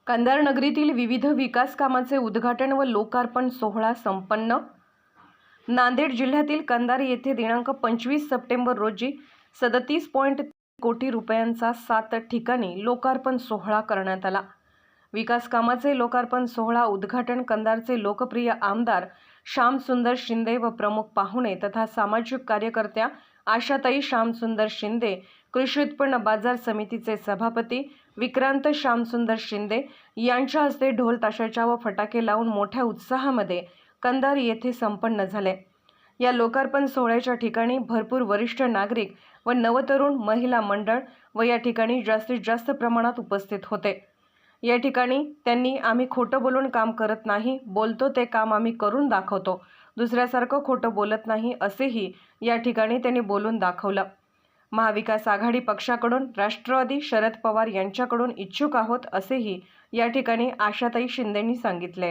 कंधार नगरीतील विविध विकास कामांचे उद्घाटन व लोकार्पण सोहळा संपन्न। नांदेड जिल्ह्यातील कंधार येथे दिनांक 25 सप्टेंबर रोजी 37.3 कोटी रुपयांचा 7 ठिकाणी लोकार्पण सोहळा करण्यात आला। विकास कामाचे लोकार्पण सोहळा उद्घाटन कंधारचे लोकप्रिय आमदार श्यामसुंदर शिंदे व प्रमुख पाहुणे तथा सामाजिक कार्यकर्त्या आशाताई श्यामसुंदर शिंदे, कृषी उत्पन्न बाजार समितीचे सभापती विक्रांत श्यामसुंदर शिंदे यांच्या हस्ते ढोल ताशाच्या व फटाके लावून मोठ्या उत्साहामध्ये कंधार येथे संपन्न झाले। या लोकार्पण सोहळ्याच्या ठिकाणी भरपूर वरिष्ठ नागरिक व नवतरुण महिला मंडळ व या ठिकाणी जास्तीत जास्त प्रमाणात उपस्थित होते। या ठिकाणी त्यांनी आम्ही खोटं बोलून काम करत नाही, बोलतो ते काम आम्ही करून दाखवतो, दुसऱ्यासारखं खोटं बोलत नाही असेही या ठिकाणी त्यांनी बोलून दाखवलं। महाविकास आघाडी पक्षाकडून राष्ट्रवादी शरद पवार यांच्याकडून इच्छुक आहोत असेही या ठिकाणी आशाताई शिंदेंनी सांगितले।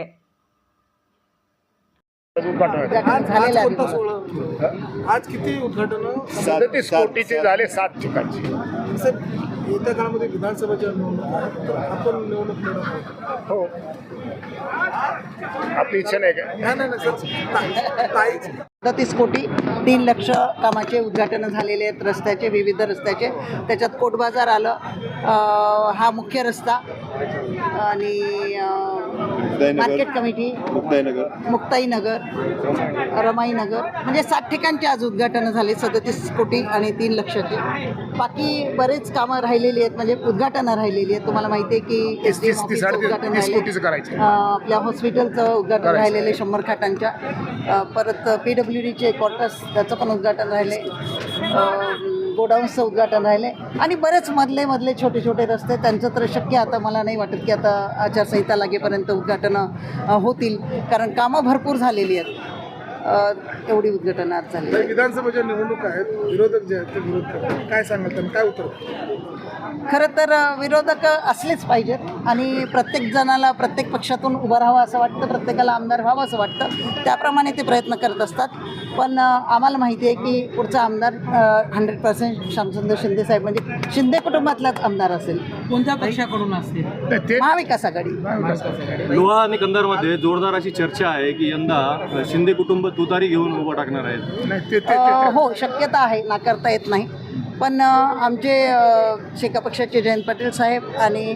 आज किती उद्घाटन? 37 कोटीचे झाले 7 ठिकाणचे। येत्या काळामध्ये विधानसभेच्या आपण निवडणूक लढवणार हो, आपली इच्छा नाही का? नाही सर, 37 कोटी 3 लाख कामाचे उद्घाटन झालेले आहेत, रस्त्याचे, विविध रस्त्याचे। त्याच्यात कोट बाजार आलं, हा मुख्य रस्ता आणि मार्केट कमिटी, मुक्ताईनगर, रमाईनगर, म्हणजे 7 ठिकाणचे आज उद्घाटन झाले 37 कोटी आणि 3 लाखाचे। बाकी बरेच कामं राहिलेली आहेत, म्हणजे उद्घाटनं राहिलेली आहेत। तुम्हाला माहिती आहे की उद्घाटन राहिले, आपल्या हॉस्पिटलचं उद्घाटन राहिलेले 100 खाटांच्या, परत PWDचे क्वार्टर्स त्याचं पण उद्घाटन राहिले, गोडाऊन्सचं उद्घाटन राहिले आणि बरेच मधले छोटे छोटे रस्ते, त्यांचं तर शक्य आता मला नाही वाटत की आता आचारसंहिता लागेपर्यंत उद्घाटनं होतील, कारण कामं भरपूर झालेली आहेत। एवढी उद्घाटनं आज झाली। विधानसभेच्या निवडणूक आहेत, विरोधक जे आहेत ते विरोध करतात, काय सांगाल त्यांना, काय उत्तर? खरं तर विरोधक असलेच पाहिजेत आणि प्रत्येक जणाला प्रत्येक पक्षातून उभं राहावं असं वाटतं, प्रत्येकाला आमदार व्हावं असं वाटतं, त्याप्रमाणे ते प्रयत्न करत असतात। पण आम्हाला माहिती आहे की पुढचा आमदार 100% श्यामसुंदर शिंदे साहेब, म्हणजे शिंदे कुटुंबातलाच आमदार असेल। कोणत्या पक्षाकडून असतील? महाविकास आघाडी। लोहा आणि कंधारमध्ये जोरदार अशी चर्चा आहे की यंदा शिंदे कुटुंब तुतारी घेऊन उभं टाकणार आहेत। हो, शक्यता आहे, नाकारता येत नाही। पण आमचे शेका पक्षाचे जयंत पाटील साहेब आणि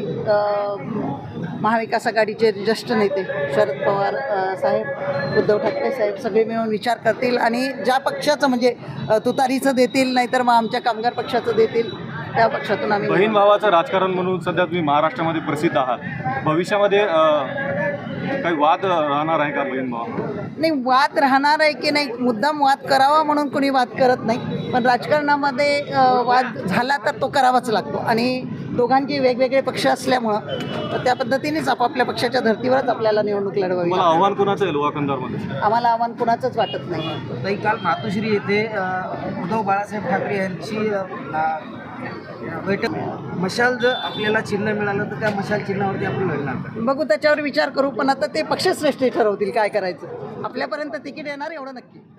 महाविकास आघाडीचे ज्येष्ठ नेते शरद पवार साहेब, उद्धव ठाकरे साहेब सगळे मिळून विचार करतील आणि ज्या पक्षाचं म्हणजे तुतारीचं देतील, नाहीतर मग आमच्या कामगार पक्षाचं देतील, त्या पक्षातून आम्ही। बहीण भावाचं राजकारण म्हणून सध्या तुम्ही महाराष्ट्रामध्ये प्रसिद्ध आहात, भविष्यामध्ये काही वाद राहणार आहे का बहीण भाव? नाही, वाद राहणार आहे की नाही, मुद्दाम वाद करावा म्हणून कोणी वाद करत नाही, पण राजकारणामध्ये वाद झाला तर तो करावाच लागतो आणि दोघांचे वेगवेगळे पक्ष असल्यामुळं त्या पद्धतीनेच आपापल्या पक्षाच्या धर्तीवरच आपल्याला निवडणूक लढवावी। मला आव्हान कुणाचं आहे लोहा कंधारमध्ये? आम्हाला आव्हान कुणाचंच वाटत नाही। ताई, काल मातोश्री येथे उद्धव बाळासाहेब ठाकरे यांची बैठक, मशाल जर आपल्याला चिन्ह मिळालं तर त्या मशाल चिन्हावरती आपण लढणार? बघू, त्याच्यावर विचार करू, पण आता ते पक्षश्रेष्ठी ठरवतील काय करायचं। आपल्यापर्यंत तिकीट येणार एवढं नक्की।